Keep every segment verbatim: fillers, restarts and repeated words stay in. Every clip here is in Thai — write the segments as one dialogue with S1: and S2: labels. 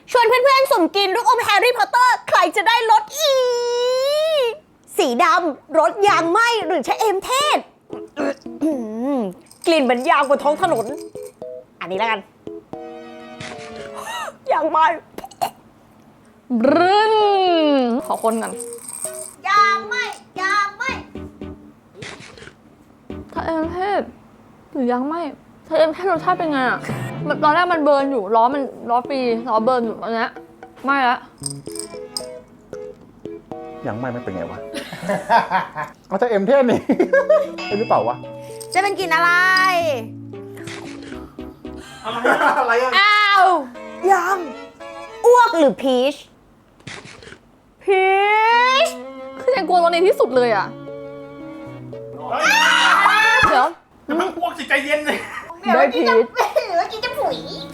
S1: ชวนเพื่อนๆสุ่มกินลูกอมแฮร์รี่พอตเตอร์ใครจะได้รสอีสีดำรสยางไหมหรือชะเอมเทศกลิ่นเหมือนยางบนท้องถนนอันนี้แล้วกันยางไหม
S2: บรึ้นขอคนกัน
S1: ยางไหมยางไหม
S2: ชาเอมเทศหรือยังไม่ชาเอมเทศรสชาติเป็นไงอ่ะมันตอนแรกมันเบิร์นอยู่ล้อมันล้อฟรีล้อเบิร์นอยู่ตอนนี้ไม่ละ
S3: ยังไม่ไม่เป็นไงวะ เอาแต่เอ็มเทนนี่เป็นหรือเปล่าวะ
S1: จะเป็นกลิ่นอะไร
S3: อะไรอ่ะ
S1: อ้าวยางอ้วกหรือพีชพีช
S2: คือยังกลัวรสนี้ที่สุดเลยอ่ะเดี๋ยว
S3: แต่มันอ้วกสิใจเย็นเลย
S2: ได้พีช
S1: หรือว่ากินจะผุย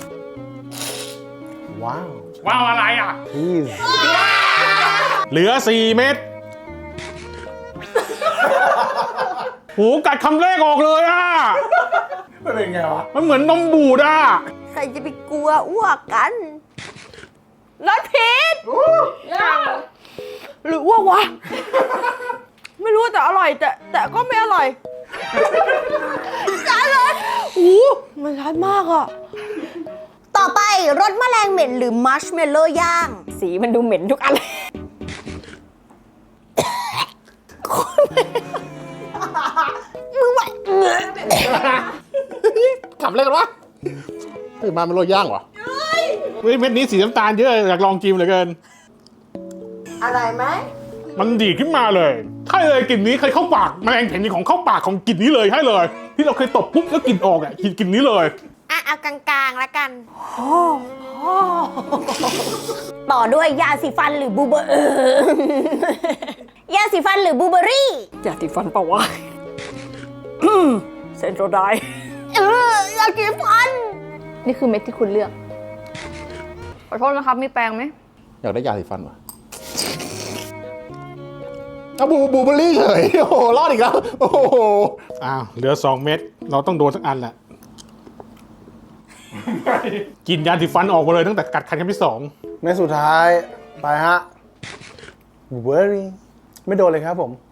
S3: ว้าว
S4: ว้าวอะไรอ่ะ
S3: พีช
S4: เหลือสี่เม็ดหูกัดคำแรกออกเลยอ่ะ
S3: มันเป็นไงวะ
S4: มันเหมือนนมบูดอ่ะ
S1: ใครจะไปกลัวอ้วกกันรสพีชหรืออ้วกวะ ไม่รู้แต่อร่อยแต่แต่ก็ไม่อร่อยจ้าเลยอู้มันร้อนมากอ่ะ ต่อไปรสแมลงเหม็นหรือมัชเมลโล่ย่าง สีมันดูเหม็นทุกอันเลยมึงไหว
S3: ขำอะไรกันวะตื่นมาเป็นโรยย่างวะ
S4: เฮ้ยเม็ดนี้สีน้ำตาลเยอะอยากลองกินเหลือเกิน
S1: อะไรไหม
S4: มันดีขึ้นมาเลยใช่เลยกลิ่นนี้เคยเข้าปากแมลงเห็นของเข้าปากของกลิ่นนี้เลยให้เลย ที่เราเคยตบปุ๊บแล้วกลิ่นออกอ่ะกลิ่นกลิ่นนี้เลย
S1: อ่ะเอากลางๆแล้วกันต่อด้วยยาสีฟันหรือบูเบอร์ยาสีฟันหรือบูเบอรี่ยาสีฟันเปล่าวะเซนโตรไดเออยาสีฟัน
S2: นี่คือเม็ดที่คุณเลือกขอโทษนะครับมีแปรงไหม
S3: อยากได้ยาสีฟันวะเอาบูบูเบอรี่เฉยโอ้โหรอดอีกแล้ว โอ้โห
S4: อ้าวเหลือสองเม็ดเราต้องโดนสักอันแหละกินยาสีฟันออกมาเลยตั้งแต่กัดคันครั้งที่สอง
S3: ในสุดท้าย ไปฮะบูเบอรี่ไม่โดนเลยครับผม